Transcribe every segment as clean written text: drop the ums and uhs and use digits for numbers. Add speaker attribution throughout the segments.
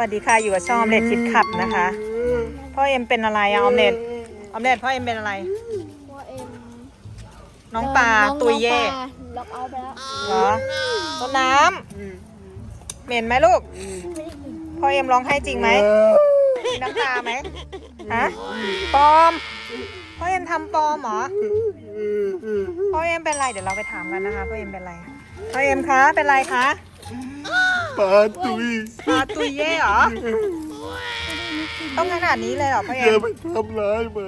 Speaker 1: วัสดีค่ะอยู่กับช่องออมเล็ตคิดขับนะคะพ่อเอ็มเป็นอะไรอะออมเล็ตพ่อเอ็มเป็นอะไร
Speaker 2: พ่อเอ็ม
Speaker 1: น้องปลาตุยเย่
Speaker 2: ล็อกเอาไปแล้ว
Speaker 1: เหรอต้นน้ำเหม็นไหมลูกพ่อเอ็มร้องไห้จริงไหมมีน้ำตาไหมฮะปลอมพ่อเอ็มทำปลอมเหรอพ่อเอ็มเป็นไรเดี๋ยวเราไปถามกันนะคะพ่อเอ็มเป็นไรพ่อเอ็มคะเป็นไรคะ
Speaker 3: ปลาตุ
Speaker 1: ยเย่เหรอต้องขนาดนี้เลยเหรอพ่อเอ็
Speaker 3: อย่า
Speaker 1: ม
Speaker 3: ไปทำร้ายมัน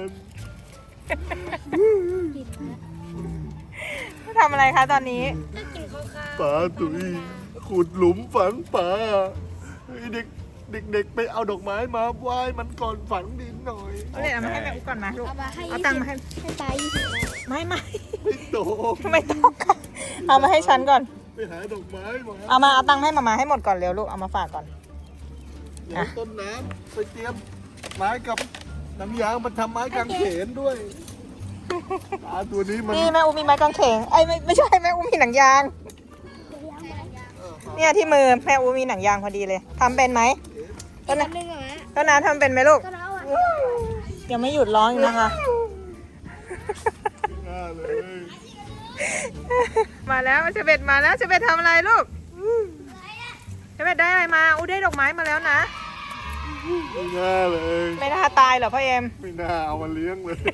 Speaker 1: ทำอะไรคะตอนนี้
Speaker 3: ปลาตุยขุดหลุมฝังปลาเด็กไปเอาดอกไม้มาไหว้มันก่อนฝังดินหน่อย
Speaker 1: เอาเลยเอามาให้แม่อุ๊ก่อนนะลูกเอา
Speaker 2: ตั
Speaker 1: ตั
Speaker 2: ง
Speaker 1: ง
Speaker 2: ค์
Speaker 1: ค์
Speaker 2: มา
Speaker 1: มา
Speaker 2: ให้
Speaker 1: ให้
Speaker 2: ตาย20
Speaker 1: ไม่
Speaker 3: โต
Speaker 1: ไม่ต้องค่ะเอามาให้ฉันก่อน
Speaker 3: ไปหาดอกไม้มา
Speaker 1: เอาตังค์ให้มาให้หมดก่อนเร็วลูกเอามาฝากก่อน
Speaker 3: เดี๋ยวต้นน้ำไปเตรียมไม้กับน้ำยางมาทำไม้กางเขนด้วยปลาตัวนี้มัน
Speaker 1: นี่แม่อูมีไม้กางเขนไม่ใช่แม่อูมีหนังยางเนี่ยที่มือแม่อูมีหนังยางพอดีเลยทำเป็นไหมต้นน้ำทำเป็นไหมลูกยังไม่หยุดร้องอีกนะคะ
Speaker 3: น่าเลย
Speaker 1: มาแล้วเชเบตมาแล้วเชเบตทำอะไรลูกเชเบตได้อะไรมาอูได้ดอกไม้มาแล้วนะ
Speaker 3: ไม่น่าเลย
Speaker 1: ไม่น่าตายเหรอพ่อเอ็ม
Speaker 3: ไม่น่าเอามาเลี้ยงเลย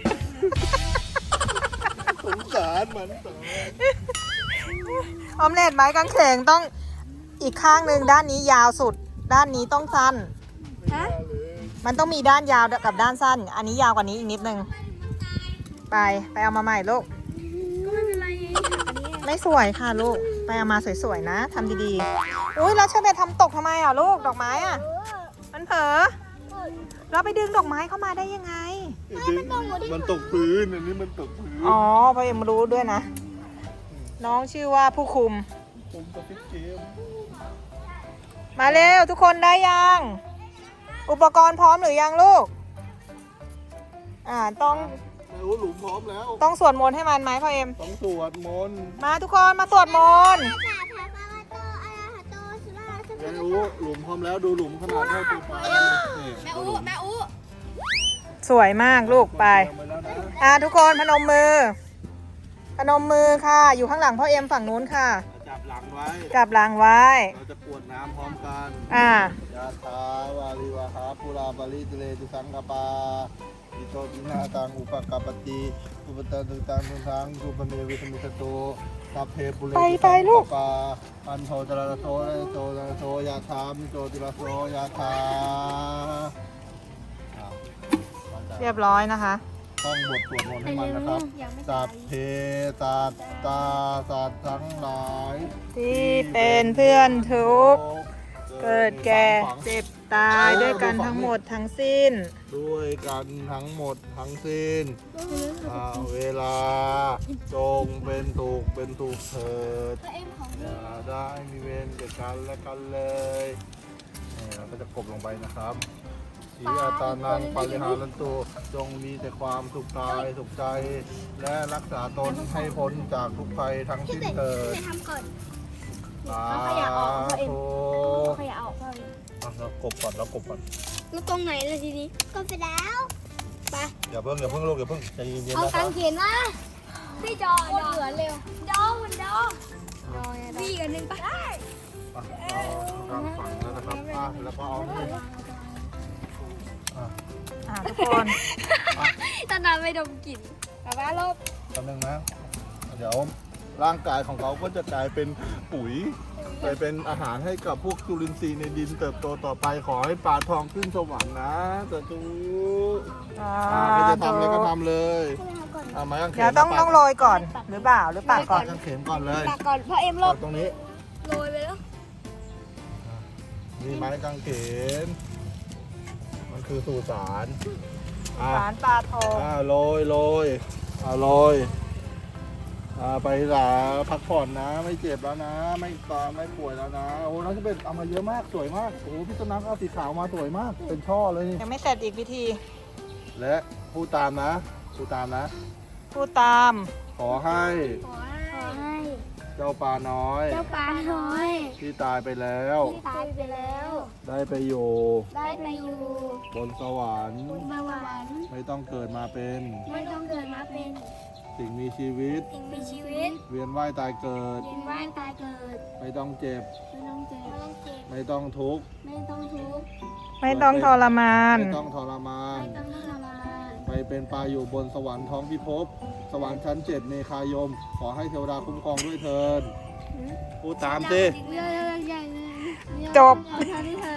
Speaker 3: สงสารมันต่อ
Speaker 1: ออมเล็ตไม้กางเขนต้องอีกข้างหนึ่งด้านนี้ยาวสุดด้านนี้ต้องสั้น
Speaker 3: ไม่น่าเลย
Speaker 1: มันต้องมีด้านยาวกับด้านสั้น อันนี้ยาวกว่านี้อีกนิดนึงไปเอามาใหม่ลูก
Speaker 2: ก็ไม่เป็นไร
Speaker 1: ไม่สวยค่ะลูกไปเอามาสวยๆนะทำดีๆอุ้ยแล้วเชเบตทำตกทำไมอ่ะลูกดอกไม้อ่ะมันเผลอเราไปดึงดอกไม้เข้ามาได้ยังไง
Speaker 3: มันตกพื้นอันนี้มันตกพื้น
Speaker 1: อ๋อพ่อเอ็มรู้ด้วยนะน้องชื่อว่าผู้คุม
Speaker 3: ผมกับพี่เกม
Speaker 1: มาเร็วทุกคนได้ยังอุปกรณ์พร้อมหรือยังลูกต้อง
Speaker 3: แม่โอ้หลุมพร้อมแล้ว
Speaker 1: ต้องสวดมนต์ให้มันไหมพ่อเอ็ม
Speaker 3: ต้องสวดมนต์
Speaker 1: มาทุกคนมาสวดมนต์
Speaker 3: แม่โอ้หลุมพร้อมแล้วดูหลุมขนาดเท่าตัวปลานี่
Speaker 2: แม่อู
Speaker 1: สวยมากลูกไป
Speaker 3: เอาแล้วนะ
Speaker 1: ทุกคนพนมมือค่ะอยู่ข้างหลังพ่อเอ็มฝั่งนู้นค่ะ
Speaker 3: จับหลังไว้
Speaker 1: จับหลังไว้
Speaker 3: เราจะกรวดน้ำพร้อมกัน
Speaker 1: ย
Speaker 3: าทาวาริวหาปุราบาลิติเลตุสังกปาอิโตตินาตังอุปกปปติอุปตะตุตังตุสังสุปเมวิสมิสโตสัพเพปุเรตุสังกปาอันโทจระโสโตระโสยาธามิโตติระโสยาธา
Speaker 1: เรียบร้อยนะคะ
Speaker 3: ท่องบทสวดมนต์ให้มันนะครับสัพเพสัตตาสัตว์ทั้งหลาย
Speaker 1: ที่เป็นเพื่อนทุกข์เกิดแก่เจ็บตายด้วยกันทั้งหมดทั้งสิ้น
Speaker 3: ด้วยกันทั้งหมดทั้งสิ้นเวลาจงเป็นถูกเถิดอย่าได้มีเวรแก่กันและกันเลยนี่เราก็จะกบลงไปนะครับสีอาตานังปาริหารันตุจงมีแต่ความสุขกายสุขใจ และรักษาตนให้พ้นจากทุกภัยทั้งสิ้นเถิด
Speaker 2: ทำก่อน
Speaker 3: สาธุ
Speaker 2: ขยะออกพ่อเอ็ม
Speaker 3: เรากบก่อน
Speaker 2: แล้วตรงไหนล่ะทีนี้ก็ไปแล้วไป
Speaker 3: อย่าเพิ่งลูกอย่าเพิ่งใจเย็นๆ
Speaker 2: เอา
Speaker 3: นะค
Speaker 2: กา
Speaker 3: รับ
Speaker 2: งเขนมาพี่จอเหลือเร็วจอมันจอพี่กันหนึ่งปะได้
Speaker 3: เราทำฝังแล้วนะครับแล้วก็เอานี่
Speaker 1: ทุกคน
Speaker 2: ตอนนั้นไม่ดมกลิ่นแบบว่าลบ
Speaker 3: แป๊บนึงนะเดี๋ยวร่างกายของเขาก็จะกลายเป็นปุ๋ยไปเป็นอาหารให้กับพวกจุลินทรีย์ในดินเติบโตต่อไปขอให้ปลาทองขึ้นสวรรค์นะสาธุไม่จะทำอะไรก็ทำเลยไม้กางเขน
Speaker 1: เดี๋ยวต้องโรยก่อนหรือเปล่าหรือปากก่อน
Speaker 3: กางเขนก่อนเลย
Speaker 2: ปากก่อนพ่อเอ็มลบ
Speaker 3: ตรงนี้
Speaker 2: โรยไปแล้ว
Speaker 3: นี่ไม้กางเขนมันคือสุสาน
Speaker 1: สารปลาทอง
Speaker 3: โรยไปหลาพักผ่อนนะไม่เจ็บแล้วนะไม่ป่วยแล้วนะโอ้น้องจะเป็นเอามาเยอะมากสวยมากโอ้พี่ต้นน้ำเอาสีขาวมาสวยมากเป็นช่อเลยนี่
Speaker 1: ยังไม่เสร็จอีกพิธี
Speaker 3: และพูดตามนะ
Speaker 1: พูดตาม
Speaker 3: ขอให้
Speaker 2: ขอให้
Speaker 3: เจ้าปลาน้อย
Speaker 2: เจ้าปลาน้อย
Speaker 3: ที่ตายไปแล้ว
Speaker 2: ที่ตายไปแล้ว
Speaker 3: ได้ไปอยู่
Speaker 2: ได้ไปอยู่
Speaker 3: บนสวรรค์
Speaker 2: บนสวรรค์
Speaker 3: ไม่ต้องเกิดมาเป็น
Speaker 2: ไม่ต้องเกิดมาเป็น
Speaker 3: สิ่งมีชีวิต
Speaker 2: สิ่งมีชีวิต
Speaker 3: เวียนว่ายตายเกิด
Speaker 2: เวียนว่ายตายเกิด
Speaker 3: ไม่ต้องเจ็บ
Speaker 2: ไม่ต้องเจ็บ
Speaker 3: ไม่ต้องทุกข์
Speaker 2: ไม่ต้องทุกข์
Speaker 1: ไม่ต้องทรมาน
Speaker 3: ไม่ต้องทรมาน
Speaker 2: ไม่ต้องทรมาน
Speaker 3: ไปเป็นปลาอยู่บนสวรรค์ท้องพิภพ สวรรค์ชั้นเจ็ดเมฆายม ขอให้เทวดาคุ้มครองด้วยเถิดพูดตามสิ
Speaker 2: เรื่องใหญ่เลย
Speaker 1: จบ
Speaker 2: เอาเท่านี้เถอะ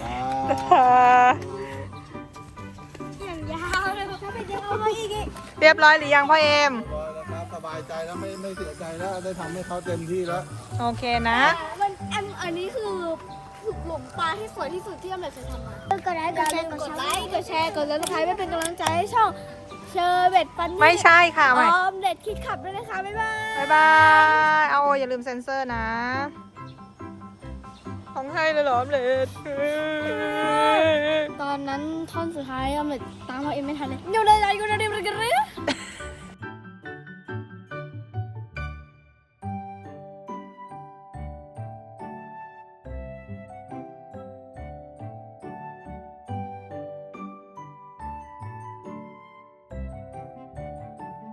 Speaker 2: อย่างยาวเลยถ้าเป็นยาวมาอีก
Speaker 1: เรียบร้อยหรือยังพ่อเอ็ม
Speaker 3: นะครับสบายใจแล้วไม่เสียใจแล้วได้ทำให้เขาเต็มที่แล้ว
Speaker 1: โอเคนะ
Speaker 2: อันนี้คือหลุมปลาที่สวยที่สุดที่อเมริกเคยทำมากดไลค์กดแชร์กดซับสไครป์ไม่เป็นกำลังใจให้ช่องเชอร์เบ็ดฟันนี่
Speaker 1: ไม่ใช่ค่ะ
Speaker 2: อ
Speaker 1: ใหม่
Speaker 2: อมเด็ดคิดขับด้วยนะคะ บ๊ายบาย
Speaker 1: บ๊ายบาย เอาอย่าลืมเซ็นเซอร์นะ ของให้เลยเหรอออมเล็ต
Speaker 2: ตอนนั้นท่อนสุดท้ายออมเด็ดตามเราเองไม่ทันเลยเดี๋ยวเลย